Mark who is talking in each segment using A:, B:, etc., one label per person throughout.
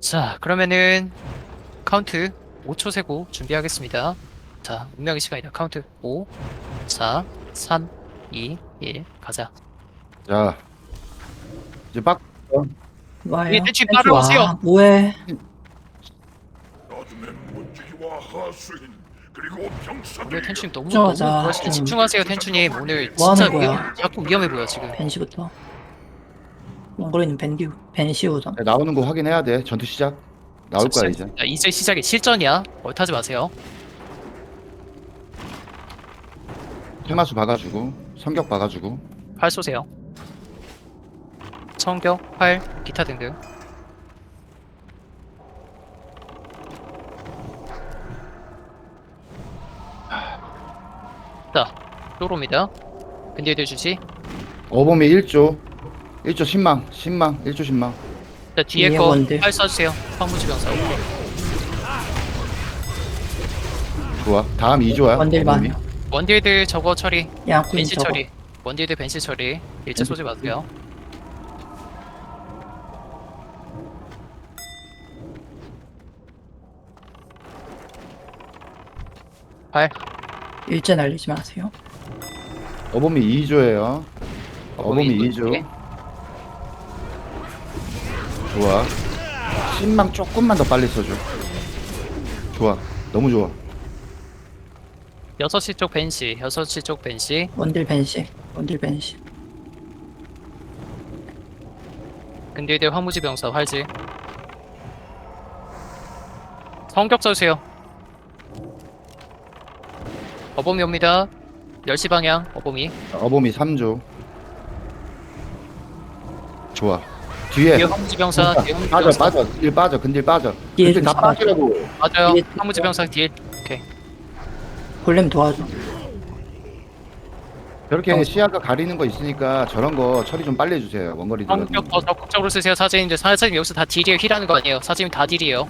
A: 자, 그러면은 카운트 5초 세고 준비하겠습니다. 자, 운명의 시간이다. 카운트 5, 4, 3, 2, 1, 가자.
B: 자, 이제 빡.
A: 예,
C: 와요.
A: 대충
C: 펜스
A: 따라오세요.
C: 와. 뭐해?
D: 나중에 문지기와 하수인 그리고
A: 오늘
D: 병사들이
A: 텐츄님 너무
C: 집중하자.
A: 좋아하시네. 집중하세요, 텐츄님. 오늘
C: 뭐
A: 진짜
C: 하는 거야?
A: 자꾸 위험해 보여 지금.
C: 벤시부터. 몽골이는 벤시우던.
B: 나오는 거 확인해야 돼. 전투 시작. 나올 거야 이제.
A: 자, 이제 시작이 실전이야. 얼타지 마세요.
B: 테마수 박아주고 성격 박아주고.
A: 활 쏘세요. 성격, 활, 기타 등등. 자, 또로입니다. 근딜들 주시.
B: 어범이 1조 10망 1조 10망.
A: 자, 뒤에
C: 뒤에
A: 거
C: 원딜.
A: 활 쏴주세요. 황무지병사. 오케이.
B: 좋아. 다음 2조야.
C: 원딜 많아.
A: 원딜들 저거 처리.
C: 양꾼
A: 벤시
C: 저거.
A: 처리. 원딜들 벤시 처리. 일체 쏘지 마세요. 활.
C: 일제 날리지 마세요.
B: 어범이 2조예요. 어범이 2조.
A: 오케이.
B: 좋아. 10망 조금만 더 빨리 써줘. 좋아. 너무 좋아.
A: 6시 쪽 벤시. 6시 쪽 벤시.
C: 원딜 벤시. 원딜 벤시.
A: 근딜들 황무지병사 활지. 성격 써주세요. 어범이 옵니다. 10시 방향 어범이.
B: 어범이 3조. 좋아. 뒤에
A: 뒤에 황무지병사. 뒤에
B: 빠져
A: 황무지병사.
B: 빠져. 딜 빠져. 근딜 빠져.
C: 뒤에
B: 근딜 다
C: 좀
B: 빠지라고.
A: 맞아요.
C: 뒤에
A: 황무지병사 딜. 오케이.
C: 골렘 도와줘.
B: 저렇게 시야가 가리는 거 있으니까 저런 거 처리 좀 빨리 해주세요. 원거리 들어.
A: 성격 더 적극적으로 쓰세요. 사제님들. 사제님 여기서 다 딜이에요. 힐하는 거 아니에요. 사제님 다 딜이에요.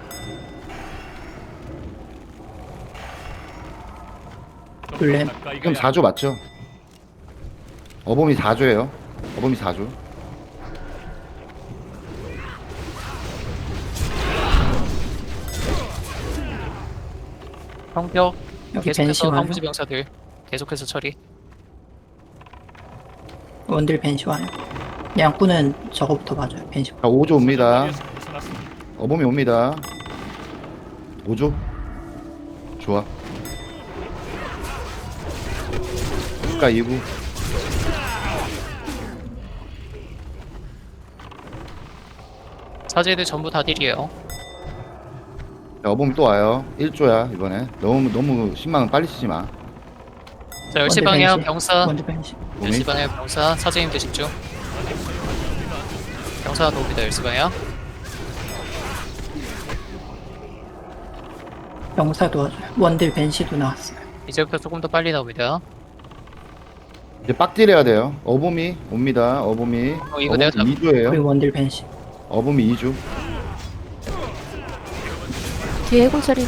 C: 골렘.
B: 지금 4조 맞죠? 어범이 4조예요. 어범이 4조.
A: 성격.
C: 여기 벤시
A: 계속해서
C: 와요.
A: 황무지병사들. 계속해서 처리.
C: 원딜 벤시 와요. 양꾼은 저거부터 봐줘요. 벤시.
B: 자, 5조 옵니다. 어범이 옵니다. 5조. 좋아. 국가 2구.
A: 사제들 전부 다 딜이에요.
B: 자, 어범이 또 와요. 1조야 이번에. 너무 10만원 빨리 쓰지 마.
A: 자, 10시
C: 원딜
A: 방향
C: 벤시.
A: 병사.
C: 원딜 벤시.
A: 10시 방향 병사. 사제님들 집중. 병사 도움이다. 10시 방향.
C: 병사 도와줘요. 원딜 벤시도 나왔어요.
A: 이제부터 조금 더 빨리 나옵니다.
B: 이제 빡딜 해야 돼요. 어범이 옵니다. 어범이.
A: 이거 내가 잡-
B: 2조예요.
C: 그리고 원딜 벤시.
B: 어범이 2조.
E: 뒤에 해골 처리.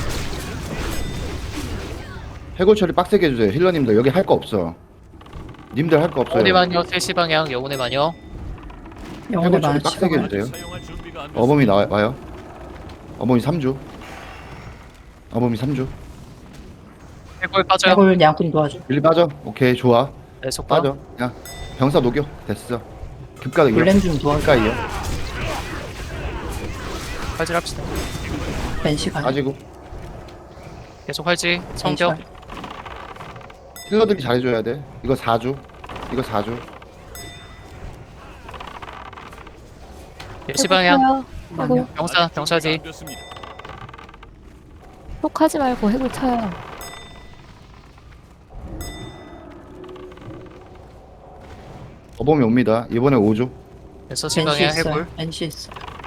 B: 해골 처리 빡세게 해주세요. 힐러님들 여기 할 거 없어. 님들 할 거 없어요.
A: 영혼의 마녀. 3시 방향. 영혼의 마녀.
C: 영혼의
B: 해골 처리
C: 많은
B: 빡세게
C: 치고.
B: 해주세요. 어범이 와요. 어범이 3조. 어범이 3조.
A: 해골 빠져요.
C: 해골 양꾼 도와줘.
B: 1 빠져. 오케이 좋아.
A: 네, 속박.
B: 빠져. 야 병사 녹여. 됐어. 급가 이어.
C: 골렘 좀 도와줘.
B: 급가 이어.
A: 활질 합시다.
C: 벤시 가요.
B: 빠지고.
A: 계속 활지. 성격.
C: 벤시
B: 힐러들이 잘해줘야 돼. 이거 4조. 이거 4조.
A: 10시 방향.
E: 아이고,
A: 병사지.
E: 욕하지 말고 해골 쳐요.
B: 어범이 옵니다. 이번에 5조.
A: 6시
C: 벤시
A: 방향
C: 있어요.
A: 해골.
C: 벤시 있어.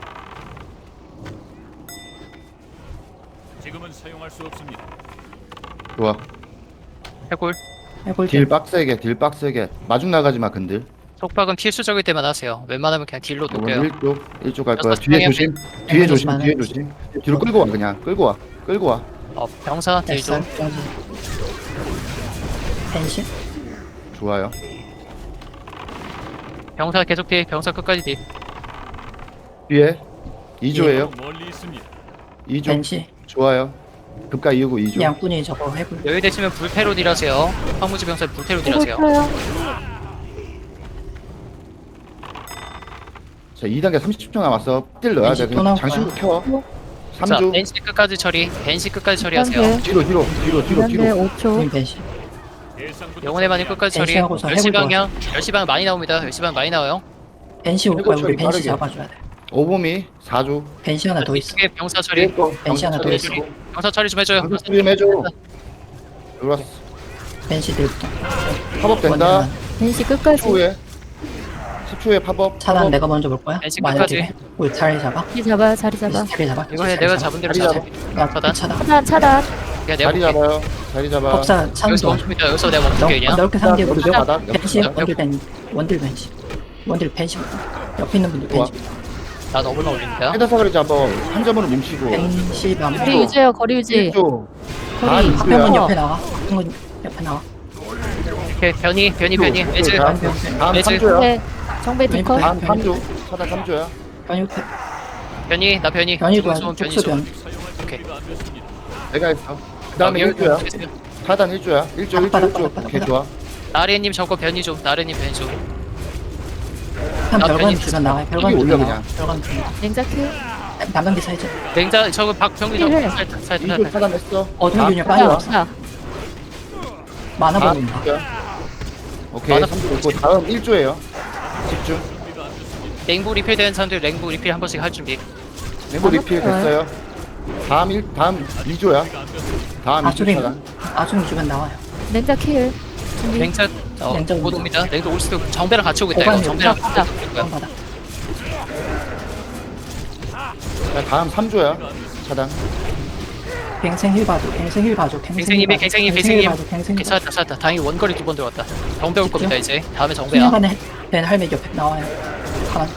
D: 지금은 사용할 수 없습니다.
B: 좋아.
A: 해골.
C: 해골
B: 딜 빡세게. 딜 빡세게. 마중 나가지 마 근들.
A: 속박은 필수적일 때만 하세요. 웬만하면 그냥 딜로
B: 이번
A: 녹여요.
B: 1조. 1조 갈 거야.
A: 여섯
B: 뒤에
A: 방향
B: 조심. 뒤에 조심.
C: 많아요.
B: 뒤에 조심. 뒤로 끌고 와 그냥. 끌고 와. 끌고 와.
A: 병사 딜
C: 됐어.
A: 좀.
C: 벤시.
B: 좋아요.
A: 병사 계속 딜. 병사 끝까지 딜.
B: 뒤에 2조예요.
D: 멀리 있습니다.
B: 2조.
C: 벤시.
B: 좋아요. 급가 이후고 2조.
C: 양꾼이 저거 해골.
A: 여유 되시면 불패로 딜하세요. 황무지 병사 불패로
E: 해골
A: 딜하세요.
E: 쳐요.
B: 자, 2단계 30초 남았어. 딜 넣어야 돼.
C: 벤시 또 나올
B: 장신구 켜.
A: 자,
B: 3조.
A: 벤시 끝까지 처리. 벤시 끝까지 처리하세요.
E: 네.
B: 뒤로.
E: 네, 5초.
C: 벤시.
D: 예상보다
A: 영혼의 반응 끝까지 처리.
C: 벤시하고서
A: 10시
C: 해골
A: 방향. 10시 방향 많이 나옵니다. 10시 방향 많이 나와요.
C: 벤시 올 거야. 우리
B: 해골
C: 벤시
B: 빠르게.
C: 잡아줘야 돼.
B: 오범이 4조.
C: 벤시 하나 더 있어.
A: 이쪽에 병사 처리.
C: 벤시 하나 더 있어.
A: 병사 처리 좀 해줘요.
B: 방금 좀 해줘. 들어왔어.
C: 벤시 딜부터.
B: 팝업 된다.
E: 벤시 끝까지.
B: 10초에 팝업.
C: 차단
B: 팝업.
C: 내가 먼저 볼 거야.
A: 벤시
C: 만약
A: 끝까지.
C: 딜해. 우리 자리 잡아.
E: 자리 잡아, 자리 잡아.
C: 자리 잡아.
A: 이거 해.
C: 자리
A: 내가
C: 잡아.
A: 잡은 대로
B: 자리
A: 잡아.
C: 야,
A: 차단.
C: 차단.
E: 차단, 차단.
A: 야, 내가
B: 자리
A: 볼게.
B: 잡아요. 자리 잡아.
C: 법사 찬
A: 여기서
C: 도
A: 멈춥니다. 여기서 내가 멈출게 그냥.
C: 넓게 상대
B: 우리
C: 우리
B: 바닥.
C: 벤시
A: 옆.
C: 원딜 벤시. 원딜 벤시. 옆에 있는 분들 벤시.
A: 나 너무나 올립니다.
B: 헤더사거리 잡아. 한 점으로 뭉치고.
C: 벤시
E: 거리
C: 맘.
E: 유지해요, 거리 유지.
B: 1조.
E: 거리.
B: 아,
C: 한명은
E: 어.
C: 옆에 나와. 한명은 옆에 나와.
A: 오케이, 변이. 매즈.
B: 다음
A: 매즈.
B: 3조야.
E: 네. 정배 디커.
B: 다음 3조. 차단 3조야.
C: 변이 옆에.
A: 변이. 나 변이.
C: 변이도
A: 좀,
C: 아주
A: 변이
C: 촉수
A: 좀.
C: 변.
A: 오케이.
B: 내가 했어. 그 다음에 1조야. 차단 1조야. 1조.
C: 바닥.
B: 오케이, 좋아.
A: 나래님 저거 변이 좀. 나래님 변이 좀.
C: 한
A: 나
C: 별관
A: 변이
C: 주변 나와. 별관
B: 올려,
C: 주변 나와.
B: 그냥.
C: 별관 주변.
E: 냉자큐.
C: 남방기 사이즈.
A: 냉자 저거 박병리 좀.
E: 힐.
A: 살짝.
B: 2조 차단했어.
C: 어둠 균열
B: 아,
C: 빨리 와.
E: 없다.
C: 만화
B: 아,
C: 버린다.
B: 오케이.
A: 맞아.
B: 3조 있고 다음 1조예요. 집중.
A: 랭부 리필 되는 사람들 랭부 리필 한 번씩 할 준비.
B: 랭고 리필 됐어요. 다음 2조야. 다음 2조
C: 아수림.
B: 차단.
C: 아수림 주변 나와요.
E: 냉자킬. 준비.
A: 냉자
C: 냉자
A: 곧 옵니다. 냉자 올 수도 정배랑 같이 오고 있다 이거.
C: 보관이
A: 정배랑
E: 없다.
A: 같이 오고 있고요.
C: 한 바닥.
B: 자, 다음 3조야. 차단.
C: 갱생 힐 봐줘. 갱생 힐 봐줘.
A: 갱생님이 갱생님.
C: 갱생 힐 봐줘.
A: 괜찮다. 다행히 원거리 2번 들어왔다. 정배 올 겁니다 이제. 다음에 정배야.
C: 수년간에 벤 할매 옆에 나와요. 가만.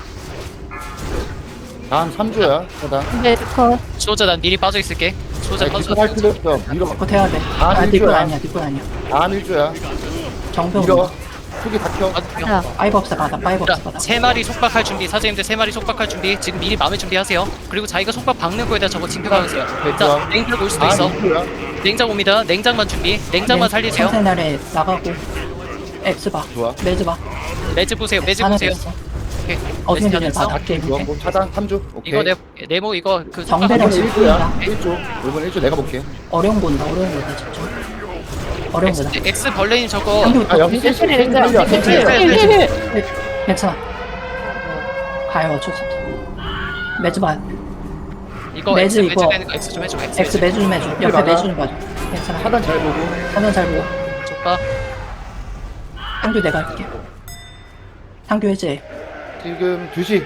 B: 다음 3조야. 차단.
E: 정배 디커.
A: 수호자 난 미리 빠져 있을게. 수호자
B: 자,
A: 빠져.
B: 할 필요 없어. 밀어.
C: 그거 해야 돼.
B: 아,
C: 아, 뒷건
B: 일조야.
C: 아니야. 뒷건 아니야.
B: 다음 1조야.
C: 정병.
B: 밀어. 크기 다 켜.
E: 자,
C: 파이브 없어 받아. 파이브 없어 받아.
A: 세 마리 속박할 준비. 사제님들 세 마리 속박할 준비. 지금 미리 마음의 준비하세요. 그리고 자기가 속박 박는 거에다 저거 징표 박으세요. 자,
B: 좋아.
A: 냉장 올 수도
B: 다음
A: 있어.
B: 2조야.
A: 냉장 옵니다. 냉장만 준비. 냉장만 살리세요.
C: 생날에 나가고. 엑스 봐.
B: 좋아.
C: 매즈 봐.
A: 매즈 보세요. 매즈
C: 하나
A: 보세요.
C: 됐어.
A: 오케이.
C: 어둠
A: 매즈
C: 균열
A: 다
C: 봐.
A: 됐어.
C: 낮게
B: 좋아.
C: 이렇게.
B: 뭐 차단 3조. 오케이.
A: 이거 네모 이거 그
C: 정배랑
B: 이번
A: 속박
B: 1조야. 1조. 이번 1조 내가 볼게.
C: 어려운 거다. 어려운 거다. 집중. 어려운 거다.
A: X 벌레님 저거
B: 아, 여기
E: 냉자킬,
B: 힐,
E: 냉자.
B: 힐, 힐, 힐, 힐.
E: 힐.
C: 괜찮아. 가요. 어쩔 수 없어. 매즈 봐.
A: 이거
C: 매즈
A: X
C: 이거.
A: 되는 거 X 좀 해줘.
C: 엑스 매주 좀 해줘. 옆에
B: 봐라.
C: 매주 좀 봐줘. 괜찮아.
B: 차단 잘 보고.
C: 한번 잘 보고.
A: 속박.
C: 상규 내가 할게. 상규 해제.
B: 지금 2시.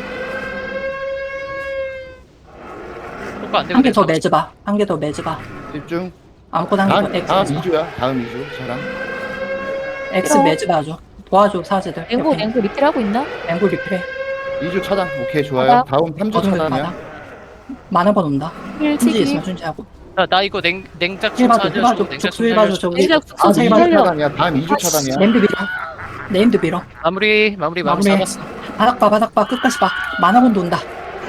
A: 속박 안 되고.
C: 한 개 더 매즈 봐. 한 개 더 매즈 봐.
B: 집중.
C: 아무거나 한 개 더.
B: 다음
C: 엑스.
B: 2조야. 다음 2조. 차단.
C: 엑스 매즈 봐줘. 도와줘 사제들.
E: 냉고, 냉고 리필 하고 있나?
C: 앵글 리플해.
B: 2조 차단. 오케이, 좋아요.
E: 바닥.
B: 다음 3조
C: 어둠 받아.
B: 차단이야.
C: 만화 번 온다.
E: 힐
C: 순지
E: 치기.
C: 있으면 순지하고.
A: 나 이거 냉장
C: 힐 봐줘. 힐
A: 좀
C: 봐줘.
A: 냉장
C: 족수 힐 봐줘. 저기.
E: 냉장
C: 아,
E: 족수
C: 힐
E: 좀
C: 봐줘.
E: 살려.
B: 차단이야. 다음 2조 차단이야.
C: 네임드 밀어. 네임드 밀어.
A: 마무리
C: 마무리.
A: 잡았어.
C: 바닥 봐. 바닥 봐. 끝까지 봐. 만화 번도 온다.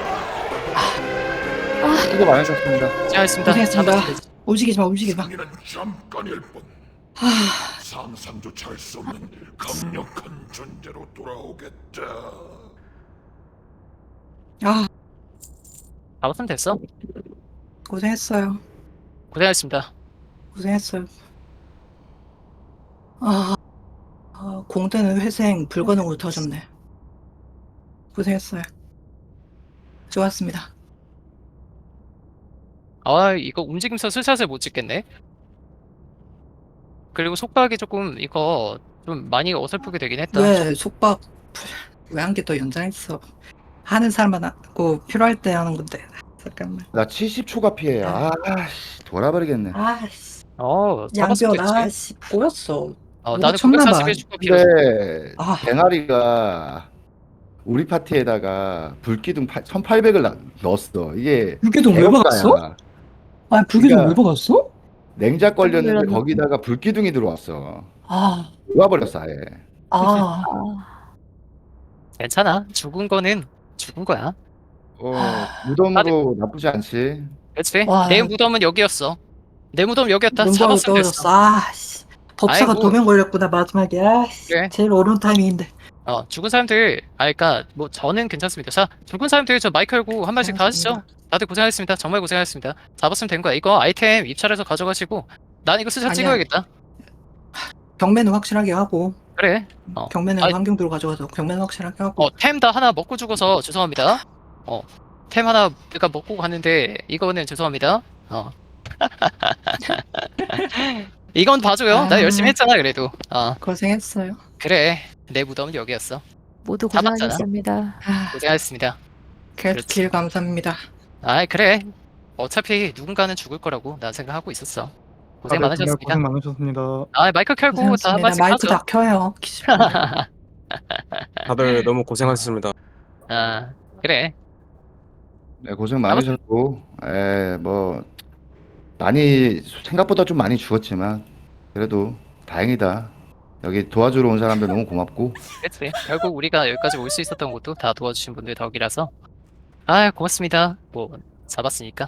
B: 수고 많으셨습니다.
A: 잘했습니다.
C: 고생했습니다.
A: 잡았어.
C: 움직이지 마. 움직이지 마.
D: 당연한 잠깐일 뿐. 상상조차 할 수 없는 강력한 존재로 돌아오겠다.
C: 아,
A: 잡았으면 됐어.
C: 고생했어요.
A: 고생하셨습니다.
C: 고생했어요. 공대는 회생 불가능으로 터졌네. 고생했어요. 좋았습니다.
A: 아 이거 움직임서 스샷을 못 찍겠네. 그리고 속박이 조금 이거 좀 많이 어설프게 되긴 했다.
C: 왜 속박 왜 한 개 더 연장했어? 하는 사람만 하고 필요할 때 하는 건데. 잠깐만.
B: 나 70초가 피해. 아, 씨, 돌아버리겠네.
C: 아씨,
A: 잡았으면
C: 양변
A: 됐지.
C: 아씨 보였어.
A: 나는
C: 쳤나 봐.
A: 941초가 필요해.
B: 근데
C: 아.
B: 뱅아리가 우리 파티에다가 불기둥 1800을 넣었어. 이게
C: 불기둥 왜
B: 애국가야.
C: 박았어? 아, 불기둥
B: 그러니까-
C: 왜 박았어?
B: 냉작 걸렸는데
E: 놀랐네.
B: 거기다가 불기둥이 들어왔어.
C: 아,
B: 놓아버렸어 아예.
C: 아,
A: 괜찮아. 죽은 거는 죽은 거야.
B: 무덤으로 나쁘지 않지.
A: 그렇지.
C: 와.
A: 내 무덤은 여기였어. 내 무덤 여기였다.
C: 눈보라로
A: 잡았으면 됐어.
C: 떨어졌어. 아씨. 법사가
A: 아이고.
C: 2명 걸렸구나 마지막에. 아씨.
A: 그래.
C: 제일 어려운 타이밍인데.
A: 죽은 사람들, 그러니까 뭐 저는 괜찮습니다. 자, 죽은 사람들 저 마이크 열고 한 말씩 다 하시죠. 다들 고생하셨습니다. 정말 고생하셨습니다. 잡았으면 된 거야. 이거 아이템 입찰해서 가져가시고, 난 이거 스샷
C: 아니야.
A: 찍어야겠다.
C: 경매는 확실하게 하고.
A: 그래.
C: 경매는
A: 아이-
C: 환경도로 가져가서 경매는 확실하게 하고.
A: 템 다 하나 먹고 죽어서 죄송합니다. 템 하나 내가 먹고 갔는데 이거는 죄송합니다. 이건 봐줘요. 나
C: 아.
A: 열심히 했잖아 그래도.
C: 고생했어요.
A: 그래. 내 무덤은 여기였어.
E: 모두
A: 잡았잖아.
E: 고생하셨습니다.
A: 고생하셨습니다.
C: 계속 길 감사합니다.
A: 그래. 어차피 누군가는 죽을 거라고 난 생각하고 있었어. 고생
F: 다들 정말
A: 많으셨습니다.
F: 고생 많으셨습니다.
A: 마이크 켜고 다 한
C: 고생했습니다.
A: 말씩
C: 마이크
A: 하죠.
C: 다 켜요.
G: 다들 너무 고생하셨습니다.
A: 그래.
B: 네, 고생 많으셨고, 뭐 많이 생각보다 좀 많이 죽었지만 그래도 다행이다. 여기 도와주러 온 사람들 너무 고맙고.
A: 그치. 결국 우리가 여기까지 올 수 있었던 것도 다 도와주신 분들 덕이라서. 고맙습니다. 뭐 잡았으니까.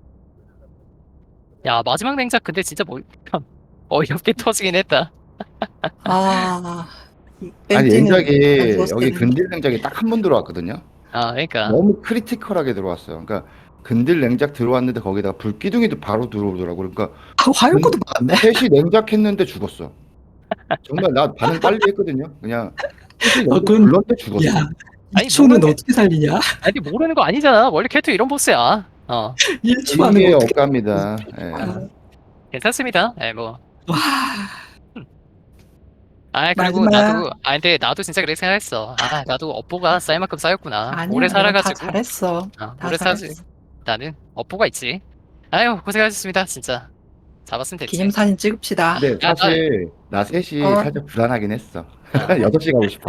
A: 야, 마지막 냉작 근데 진짜 뭐 어이없게 터지긴 했다.
C: 아.
B: 아니
C: 벤지는
B: 냉작이
C: 안 죽었을
B: 여기
C: 때는.
B: 근딜 냉작이 딱 한 번 들어왔거든요.
A: 그러니까.
B: 너무 크리티컬하게 들어왔어요. 그러니까 근딜 냉작 들어왔는데 거기다가 불기둥이도 바로 들어오더라고. 그러니까
C: 화요코도 많네.
B: 셋이 냉작했는데 죽었어. 정말 나 반응 빨리 했거든요. 그냥 셋이 냉작
C: 그건-
B: 불렀는데 죽었어.
C: 야,
A: 아니,
C: 2초는
A: 모르는-
C: 어떻게 살리냐?
A: 아니 모르는 거 아니잖아. 원래 캐릭터 이런 보스야.
C: 1초 안에
B: 이게
C: 어떻게.
B: 억갑니다. 예.
A: 괜찮습니다. 뭐. 그리고
C: 마지막.
A: 나도 근데 나도 진짜 그렇게 생각했어. 나도 업보가 쌓일 만큼 쌓였구나.
C: 아니야,
A: 오래
C: 다
A: 살아가지고.
C: 잘했어. 다
A: 오래 살지.
C: 잘했어.
A: 나는 업보가 있지. 고생하셨습니다. 진짜. 잡았으면 됐지.
C: 기념사진 찍읍시다.
B: 근데
A: 야,
B: 사실 나 셋이
C: 어.
B: 살짝 불안하긴 했어. 6시 가고 싶어.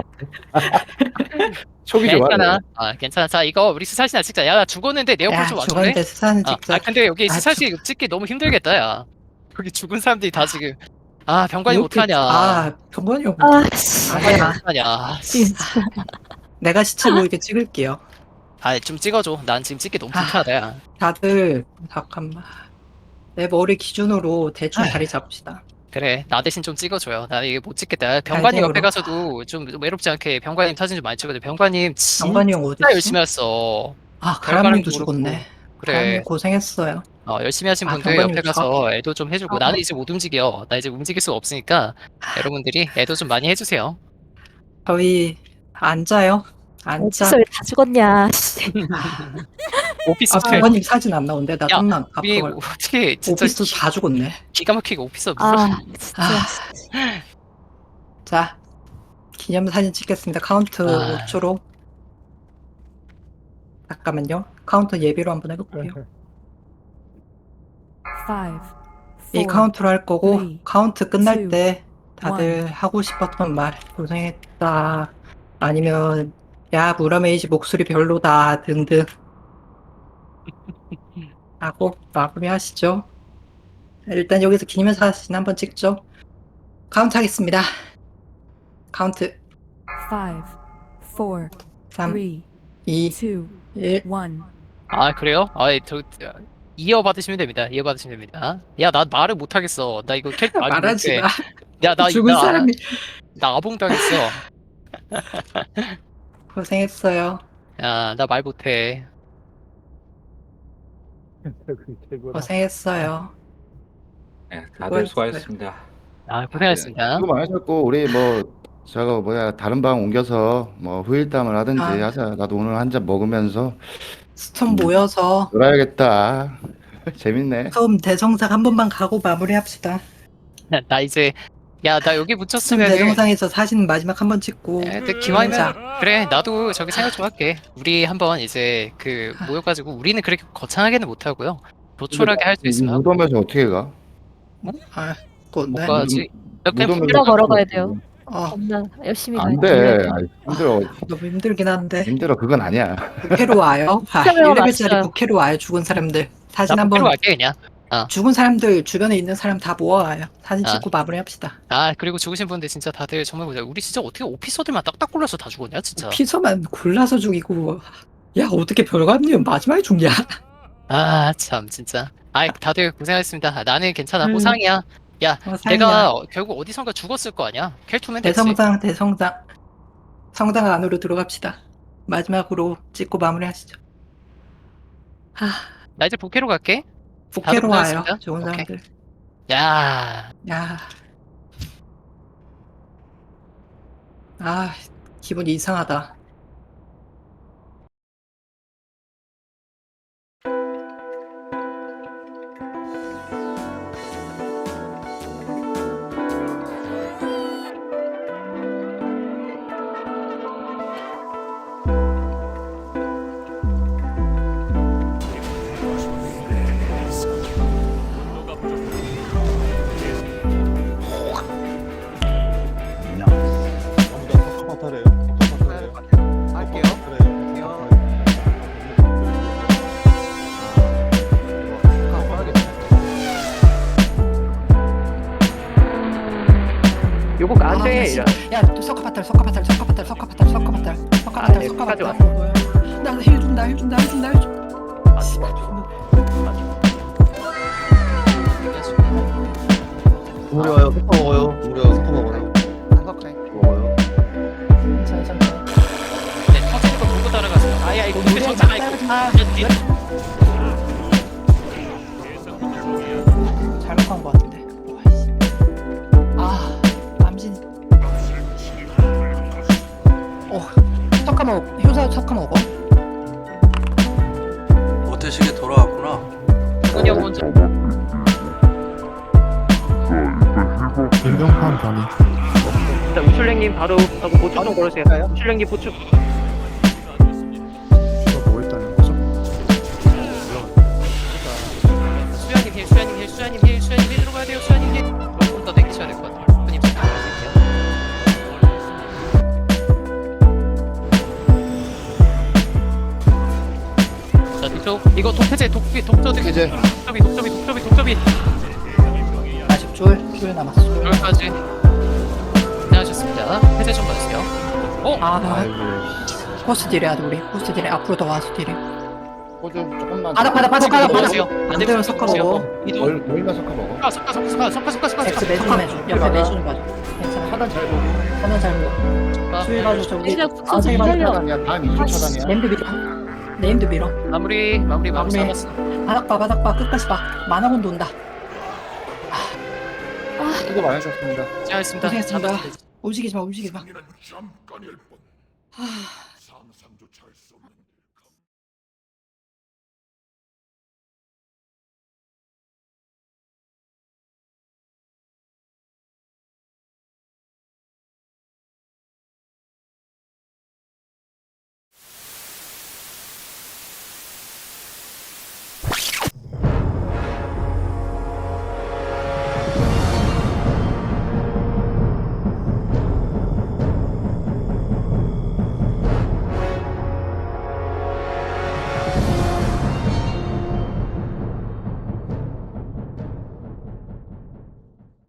B: 촉이 좋아.
A: 괜찮아. 괜찮아. 자, 이거 우리 스샷이나 찍자. 야, 나 죽었는데 내 옆으로
C: 야,
A: 좀 와줄래?
C: 죽었는데 사진 찍자.
A: 근데 여기
C: 아,
A: 스샷이 찍기 너무 힘들겠다, 야. 여기 죽은 사람들이 다 지금. 병관이
C: 이렇게-
A: 못하냐.
C: 병관이 형.
E: 씨.
A: 병관이
C: 아니야.
A: 못하냐.
E: 진짜.
C: 내가 시체 보이게 찍을게요.
A: 좀 찍어줘. 난 지금 찍기 너무
C: 아.
A: 불편하다, 야.
C: 다들 잠깐만. 내 머리 기준으로 대충
A: 아휴.
C: 자리 잡읍시다.
A: 그래, 나 대신 좀 찍어줘요. 나 이게 못 찍겠다. 병관님 옆에
C: 갈등으로.
A: 가서도 좀 외롭지 않게 병관님 사진 좀 많이 찍어줘. 병관님 진짜
C: 병관이 형 어디
A: 열심히 했어.
C: 가람님도
A: 결과는
C: 죽었네.
A: 그래.
C: 가람님 고생했어요.
A: 열심히 하신
C: 아,
A: 분들
C: 병관님
A: 옆에 가서 애도 좀 해주고.
C: 어.
A: 나는 이제 못 움직여. 나 이제 움직일 수가 없으니까 여러분들이 애도 좀 많이 해주세요.
C: 저희 앉아요. 앉아.
E: 어디서 왜 다 죽었냐. 씨.
A: 오피스 텔.
C: 병관님 사진 안 나오는데 나
A: 야,
C: 좀만
A: 우리
C: 앞으로.
A: 어떻게 진짜
C: 오피스 다 죽었네.
A: 기가 막히게 오피스
E: 진짜.
C: 자, 기념사진 찍겠습니다. 카운트
A: 아.
C: 5초로. 잠깐만요. 카운터 예비로 한번 해볼게요. 이 카운트로 할 거고
H: three,
C: 카운트 끝날
H: two,
C: 때 다들 하고 싶었던 말 고생했다 아니면 야 무라메이지 목소리 별로다 등등 하고 마무리하시죠. 일단 여기서 기념사진 한번 찍죠. 카운트 하겠습니다. 카운트
H: 5, 4,
C: 3,
H: 3,
C: 2,
H: 2,
C: 1
H: 1.
A: 그래요? 이어받으시면 됩니다. 이어받으시면 됩니다. 야, 나 말을 못하겠어. 나 이거 캐릭터 많이
C: 말하지
A: 못해.
C: 마.
A: 야,
C: 죽은 사람이
A: 나 아봉 당했어.
C: 고생했어요.
A: 야, 나 말 못해.
C: 고생했어요.
I: 네, 다들 수고하셨습니다.
A: 고생하셨습니다.
B: 수고 많으셨고 우리 다른 방 옮겨서 뭐 후일담을 하든지
C: 아.
B: 하자. 나도 오늘 한 잔 먹으면서
C: 스톰 모여서
B: 놀아야겠다. 재밌네.
C: 스톰 대정상 한 번만 가고 마무리합시다.
A: 나 이제 나 여기
C: 스톰
A: 붙였으면
C: 대정상에서 사진 마지막 한 번 찍고
A: 기왕이면
C: 자,
A: 그래, 나도 저기 생각 좀 할게. 우리 한번 이제 모여가지고 우리는 그렇게 거창하게는 못하고요. 조촐하게 할 수 있으면 하고.
B: 무덤에서 어떻게 가?
C: 또 네.
A: 뭐 가지? 그냥
B: 무덤에서
E: 혼자 걸어가야 돼요.
C: 어,
E: 겁나 열심히
B: 안
E: 가야
B: 돼.
E: 돼요.
B: 힘들어.
C: 너무 힘들긴 한데
B: 힘들어. 그건 아니야.
C: 부캐로 와요.
E: 부캐로
C: 1레벨짜리
E: 왔어요.
C: 부캐로 와요. 죽은 사람들 사진
A: 나
C: 한번
A: 한번 갈게 그냥.
C: 죽은 사람들 주변에 있는 사람 다 모아와요. 사진
A: 아.
C: 찍고 마무리합시다.
A: 그리고 죽으신 분들 진짜 다들 정말 보자. 우리 진짜 어떻게 오피서들만 딱딱 골라서 다 죽었냐 진짜.
C: 피서만 골라서 죽이고 야 어떻게 별관님 마지막에 죽냐?
A: 아, 참, 진짜. 아이, 다들 고생하셨습니다. 나는 괜찮아.
C: 음.
A: 호상이야. 야,
C: 상이야.
A: 내가 결국 어디선가 죽었을 거 아니야. 켈투면 됐지.
C: 대성장 성당 안으로 들어갑시다. 마지막으로 찍고 마무리하시죠. 하
A: 나 이제 부캐로 갈게.
C: 부캐로 와요.
A: 고생하셨습니다.
C: 좋은
A: 오케이.
C: 사람들.
A: 야,
C: 야. 아 기분이 이상하다.
A: 요거
C: 아, 씨. 야, 석가파탈. 나힐 준다.
F: 우리 와요. 석파 먹어요. 우리 와요. 석파 먹어요. 먹어요.
A: 네, 터지는 거 보고 따라가세요. 아야, 이거 근데 정상 아이고.
C: 잘못한 것 같은데. 와이씨. 아, 남진. 석가 먹. 효사 석가 먹어.
F: 모태식에 돌아왔구나.
A: 누구냐 먼저.
G: 일병판 변이.
H: 자, 우출랭님 바로 하고 보충 좀 걸으세요. 우출랭님 보충.
G: 이거 뭐 했다는 거죠?
A: 수야님 힐 들어가야 돼요. 수야님 힐. 조금 더 당기셔야 될 것 같아요. 손님 좀 나가실게요. 자, 뒤쪽 이거 독해제 독저드
B: 해제.
A: 독점이
C: 아직 줄 남았어. 줄.
A: 여기까지 고생하셨습니다. 해제 좀 봐주세요.
C: 아, 포스 딜해야 돼 우리. 포스 딜해. 앞으로 더 와서 딜해.
B: 호주 조금만.
C: 바닥.
A: 보세요. 안
C: 반대로 섞어 먹어.
A: 이동.
B: 멀리만 섞어 먹어.
A: 섞어.
C: X 내주면 옆에 내주는 봐줘. 괜찮아.
B: 하단 잘 보고.
C: 하나 잘 먹어. 수위 봐줘 저기.
E: 진짜
C: 아,
E: 붙여서
C: 저기 봐줘.
E: 살려.
B: 차단이야. 다음 2주 차단이야.
C: 네임드 밀어.
A: 마무리
C: 마무리.
A: 잡았어.
C: 바닥 봐. 끝까지 봐. 만화곤 온다.
B: 수고 많으셨습니다.
A: 고생하셨습니다.
C: 고생했습니다. 움직이지 마.
D: 승리는 잠깐일 뿐.
C: 하...